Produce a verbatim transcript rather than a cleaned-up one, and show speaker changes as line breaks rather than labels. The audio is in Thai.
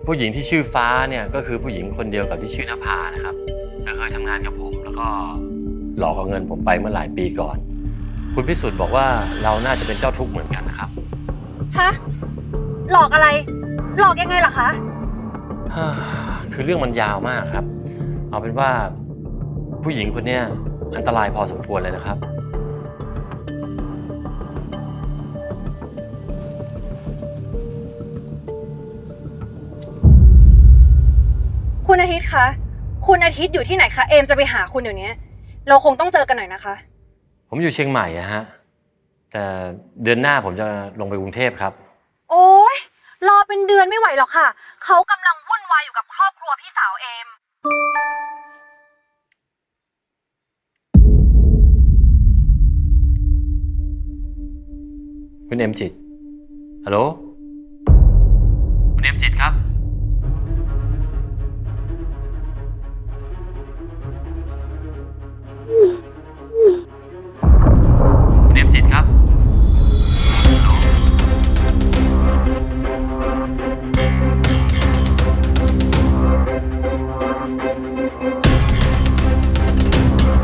ผู้หญิงที่ชื่อฟ้าเนี่ยก็คือผู้หญิงคนเดียวกับที่ชื่อนภานะครับเธอเคยทำงานกับผมแล้วก็หลอกเอาเงินผมไปเมื่อหลายปีก่อนคุณพิสุทธิ์บอกว่าเราน่าจะเป็นเจ้าทุกข์เหมือนกันนะครับ
ฮะ หลอกอะไร หลอกยังไงล่ะคะ
คือเรื่องมันยาวมากครับเอาเป็นว่าผู้หญิงคนนี้อันตรายพอสมควรเลยนะครับ
คุณอาทิตย์คะ คุณอาทิตย์อยู่ที่ไหนคะ เอมจะไปหาคุณเดี๋ยวนี้ เราคงต้องเจอกันหน่อยนะคะ
ผมอยู่เชียงใหม่อะฮะแต่เดือนหน้าผมจะลงไปกรุงเทพครับ
โอ๊ย รอเป็นเดือนไม่ไหวหรอกค่ะ เขากำลังวุ่นวายอยู่กับครอบครัวพี่สาวเอม
คุณเอ็มจิตฮัลโหลคุณเอ็มจิตครับ